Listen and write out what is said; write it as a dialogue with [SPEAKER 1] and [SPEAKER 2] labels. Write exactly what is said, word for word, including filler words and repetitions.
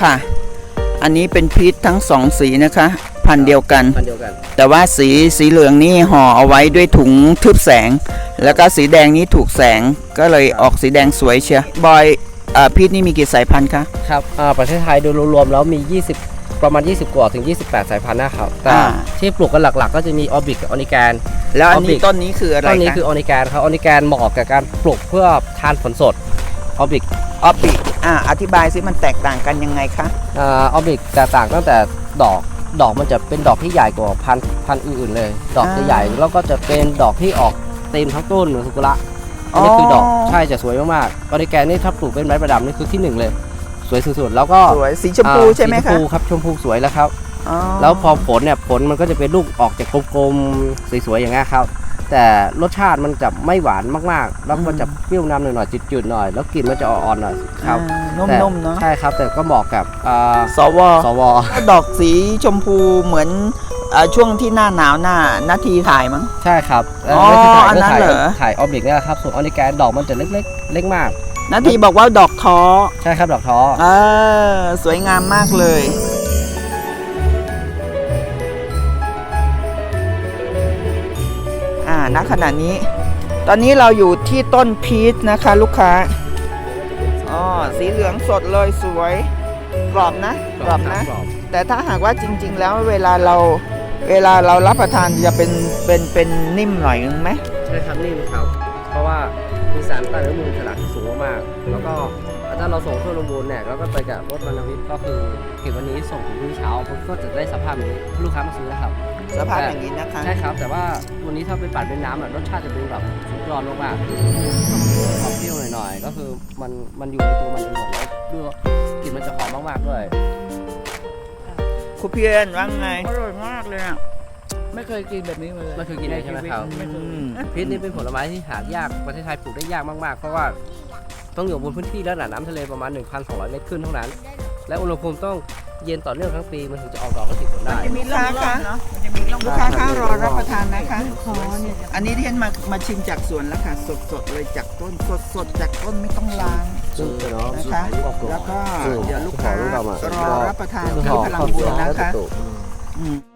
[SPEAKER 1] ค่ะอันนี้เป็นพีชทั้งสองสีนะคะพันธุ์เดียวกัน
[SPEAKER 2] พันธุ์เดียวกัน
[SPEAKER 1] แต่ว่าสีสีเหลืองนี่ห่อเอาไว้ด้วยถุงทึบแสงแล้วก็สีแดงนี้ถูกแสงก็เลยออกสีแดงสวยเชียวบอยพีชนี่มีกี่สายพันธุ์คะ
[SPEAKER 2] ครับประเทศไทยโดยรวมๆแล้วมียี่สิบประมาณยี่สิบกว่าถึงยี่สิบแปดสายพันธุ์นะครับแต่ที่ปลูกกันหลักๆก็จะมีออบิกกับออนิแกน
[SPEAKER 1] แล้วอันนี้ต้นนี้คืออะไร
[SPEAKER 2] ต้นนี้คือออนิแกนครับออนิแกนเหมาะกับการปลูกเพื่อทานผลสดออบิก
[SPEAKER 1] ออบิกอ่าอธิบายซิมันแตกต่างกันยังไงคะ
[SPEAKER 2] อ่าออบิกแตกต่างตั้งแต่ดอกดอกมันจะเป็นดอกที่ใหญ่กว่าพันธุ์พันธุ์อื่นๆเลยดอกจะใหญ่แล้วก็จะเป็นดอกที่ออกเต็มทั้งต้นเหมือนสุกุระอันนี้คือดอกใช่จะสวยมากๆออนิแกนนี่ถ้าปลูกเป็นไม้ประดับนี่คือที่หนึ่งเลยสวยสุดๆแล้วก็
[SPEAKER 1] สวยสีชมพูใช่ไหมคะ
[SPEAKER 2] สีชมพูครับชมพูสวยแล้วครับแล้วพอผลเนี่ยผลมันก็จะเป็นลูกออกจากกลมๆสวยๆอย่างเงี้ยครับแต่รสชาติมันจะไม่หวานมากๆแล้วมันจะเปรี้ยวนำหน่อยๆจืดๆหน่อยแล้วกลิ่นมันจะอ่อนๆหน่อยครับ
[SPEAKER 1] นุ่มๆเนาะ
[SPEAKER 2] ใช่ครับแต่ก็เหมาะกับ
[SPEAKER 1] สว
[SPEAKER 2] สว
[SPEAKER 1] ดอกสีชมพูเหมือนช่วงที่หน้าหนาวหน้านาทีถ่ายมั้ง
[SPEAKER 2] ใช่ครับ
[SPEAKER 1] อ๋ออันนั้นเหรอ
[SPEAKER 2] ถ่ายออบิกนี่แหละครับส่วนออนิแกนดอกมันจะเล็กๆเล็กมาก
[SPEAKER 1] นาทีบอกว่าดอกท้อ
[SPEAKER 2] ใช่ครับดอกท้อ
[SPEAKER 1] เออสวยงามมากเลยอ่าณขณะนี้ตอนนี้เราอยู่ที่ต้นพีชนะคะลูกค้าอ๋อสีเหลืองสดเลยสวยกรอบนะกรอบนะแต่ถ้าหากว่าจริงๆแล้วเวลาเราเวลาเรารับประทานจะเป็นเป็นเป็นนิ่มหน่อยนึงไหม
[SPEAKER 2] ใช่ครับนิ่มครับเพราะว่ามีสารต้านอนุมูลอิสระสูงมากๆแล้วก็ถ้าเราส่งทั่วโรงบูรณ์เนี่ยแล้วก็ไปกับรถบรรทุกก็คือเก็บวันนี้ส่งถึงพรุ่งนี้เช้าก็จะได้สภาพนี้ลูกค้ามาซื้อนะครับ
[SPEAKER 1] สภาพอย่างนี้นะคะ
[SPEAKER 2] ใช่ครับแต่ว่าวันนี้ถ้าไปปั่นเป็นน้ำอ่ะรสชาติจะเป็นแบบสุดยอดมากๆหอมเปรี้ยวหน่อยๆก็คือมันมันอยู่ในตัวมันเองหมดแล้วด้วยกลิ่นมันจะหอมมากๆด้วย
[SPEAKER 1] คุณเพียรว่าไงอร่อยมากเลยอ่ะ
[SPEAKER 3] ไม่เคยกินแบบนี้มาเลย
[SPEAKER 2] ไม่เคยกินเลยใช่ไหมครับพีชนี่เป็นผลไม้ที่หายากประเทศไทยปลูกได้ยากมากๆเพราะว่าต้องอยู่บนพื้นที่ระดับน้ำทะเลประมาณ หนึ่งพันสองร้อย เมตรขึ้นเท่านั้นและอุณหภูมิต้องเย็นต่อเนื่องทั้งปีมันถึงจะออกดอกก็ติดผลได้
[SPEAKER 1] มีลูกค้าคะลูกค้าข้ารอรับประทานนะคะอันนี้ที่ฉันมามาชิมจากสวนแล้วค่ะสดๆเลยจากต้นสดๆจากต้นไม่ต้องล้างนะคะแล้วก็เดี๋ยวลูกค้ารอรับประทานที่พลังบุญนะคะ